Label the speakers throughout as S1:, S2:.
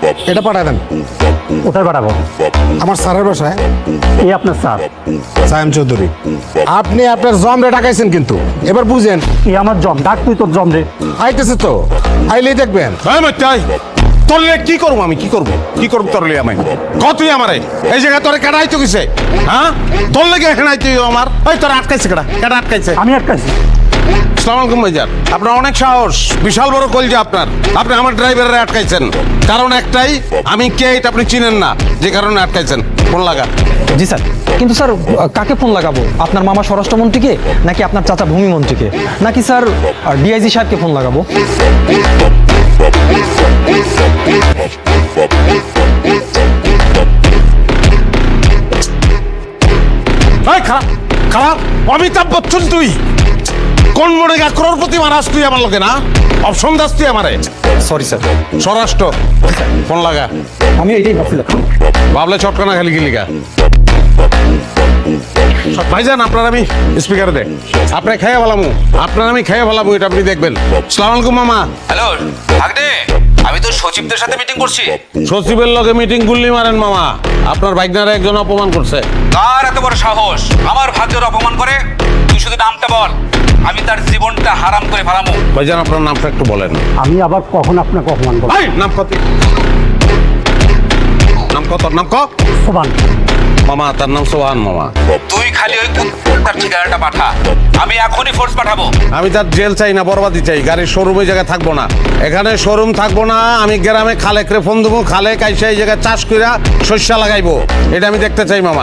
S1: এটা পাঠায় দেন।
S2: কোথায় পাঠাবো?
S1: আমার স্যারের বাসায়।
S2: এই আপনার স্যার?
S1: সায়েম চৌধুরী। আপনি আপনার জম রে ডাকাইছেন কিন্তু এবার বুঝেন।
S2: এই আমার জম, ডাক তুই তোর জম রে।
S1: আইতেছে তো, আইলেই দেখবেন।
S3: তোরলে কি করবো আমি? কি করবো তোরলে আমি? কতই আমারে এই জায়গায় তোরে কেডা আইতো কিসে? হ্যাঁ, তোর লেগে এখানে আইতো আমার। ওই তোর আটকাইছে কেডা আটকাইছে?
S2: আমি আটকাইছি।
S3: আসসালামু আলাইকুম ভাইজান। আপনার অনেক সাহস, বিশাল বড় কলজা আপনার। আপনি আমার ড্রাইভারে আটকাইছেন, কারণ একটাই, আমি কে এটা আপনি চিনেন না, যে কারণে আটকাইছেন। ফোন লাগা।
S4: জি স্যার, কিন্তু স্যার কাকে ফোন লাগাবো? আপনার মামা স্বরাষ্ট্রমন্ত্রীকে, নাকি আপনার চাচা ভূমিমন্ত্রীকে, নাকি স্যার ডিআইজি সাহেবকে ফোন লাগাবো?
S3: এই খারাপ খারাপ অমিতাভ বচ্চন তুই কোন মনে গা crorepati মারাস তুই আমার লোকে না? অপশন দাস তুই আমারে।
S4: Sorry sir.
S3: স্বরাষ্ট্র, ফোন লাগা।
S4: আমি এটাই ভাবছিলাম।
S3: ভাবলে চটকানা খালি গিলিগা। ভাইজান আপনার আমি স্পিকারে দেখ, আপনি খেয়ে ভালামু, আপনার আমি খেয়ে ভালামু, এটা আপনি দেখবেন। আসসালামু আলাইকুম মামা।
S5: হ্যালো ভাগ্নে, আমি তো সচিবদের সাথে মিটিং করছি।
S3: সচিবের লগে মিটিং গুল্লি মারেন মামা, আপনার ভাইগনারা একজন অপমান করছে।
S5: কার এত বড় সাহস আমার ভাগ্যের অপমান করে? তুই শুধু নামটা বল, আমি তার জীবনটা হারাম করে ফেলামু।
S3: ভাইজান আপনার নামটা একটু বলেন।
S2: আমি আবার কখন আপনাকে অপমান করবো?
S3: ভাই নাম কত? নাম কত? নাম ক?
S2: সোবান।
S3: মামা তার নাম সোহান মামা।
S5: তুই খালি ওই তার ঠিকানাটা পাঠা, আমি এখনই ফোর্স পাঠাবো।
S3: আমি তার জেল চাই না, বরবাদি চাই। গাড়ির শোরুম ওই জায়গায় থাকবো না, এখানে শোরুম থাকবো না। আমি গ্রামে খালেকরে ফোন দেবো, খালেক আইসা এই জায়গায় চাষ কইরা শস্য লাগাইবো, এটা আমি দেখতে চাই মামা।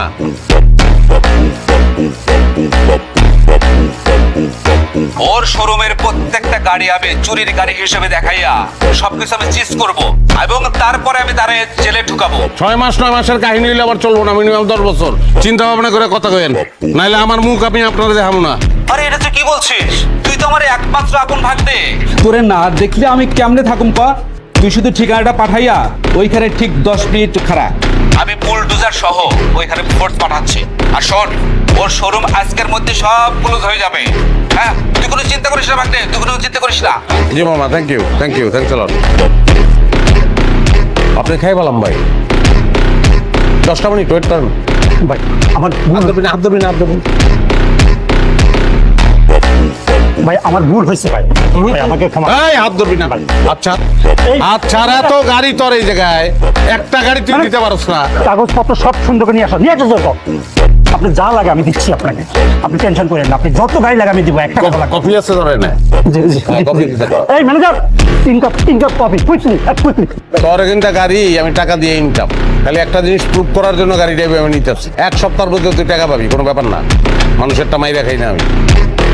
S5: ওর শোরুমের প্রত্যেকটা গাড়ি আমি চুরির গাড়ি হিসেবে দেখাইয়া সবকিছু আমি চিজ করব, এবং তারপরে আমি তারে জেলে ঢুকাবো।
S3: 6 মাস 9 মাসের কাহিনী হইলে আবার চলবো না, মিনিমাম 10 বছর চিন্তা ভাবনা করে কথা কইেন, নাইলে আমার মুখ আমি আপনারা দেখাবো না।
S5: আরে এটা তুই কি বলছিস? তুই তো আমার একমাত্র আপন ভাগ্নে।
S6: তোরে না দেখলে আমি কেমনে থাকুম পা? তুই শুধু ঠিকানাটা পাঠাইয়া ওইখানে ঠিক 10 মিনিট খাড়া।
S5: আমি বুলডোজার সহ ওইখানে ফোর্স পাঠাচ্ছি। আর শোন, ওর শোরুম আজকের মধ্যে সব ক্লোজ হয়ে যাবে। হ্যাঁ, তুই কোনো চিন্তা করিস না ভাগ্নে, তুই কোনো চিন্তা করিস না।
S3: জি মামা, thank you thanks a lot. আপনি খাই বললাম ভাই, 10টা মিনিট ওয়েট করেন
S2: ভাই আমার
S3: হাত ধরবি না।
S2: ভাই আমার ভুল হয়েছে ভাই, ভাই আমাকে ক্ষমা।
S3: এই হাত ধরবি না। আচ্ছা আচ্ছা, এত গাড়ি তোর এই জায়গায়, একটা গাড়ি তুই দিতে পারছ না?
S2: কাগজপত্র সব সুন্দর করে নিয়ে আসো, নিয়ে আসো যত। আপনি যা লাগে আমি দিচ্ছি আপনাকে, আপনি টেনশন করেন না। আপনি যত গাড়ি লাগে আমি দিব, একটা কথা লাগবে।
S3: কফি আছে ধরে না?
S2: জি জি
S3: হ্যাঁ, কফি দিতে দাও।
S2: এই manager, 3 cup coffee, quickly quickly.
S3: তোর কিন্তু গাড়ি আমি টাকা দিয়ে নিতাম, খালি একটা জিনিস প্রুভ করার জন্য গাড়িটা আমি নিতে আসছি। 1 সপ্তাহের মধ্যে তুই টাকা পাবি, কোনো ব্যাপার না। মানুষেরটা মাইরা খাই না আমি।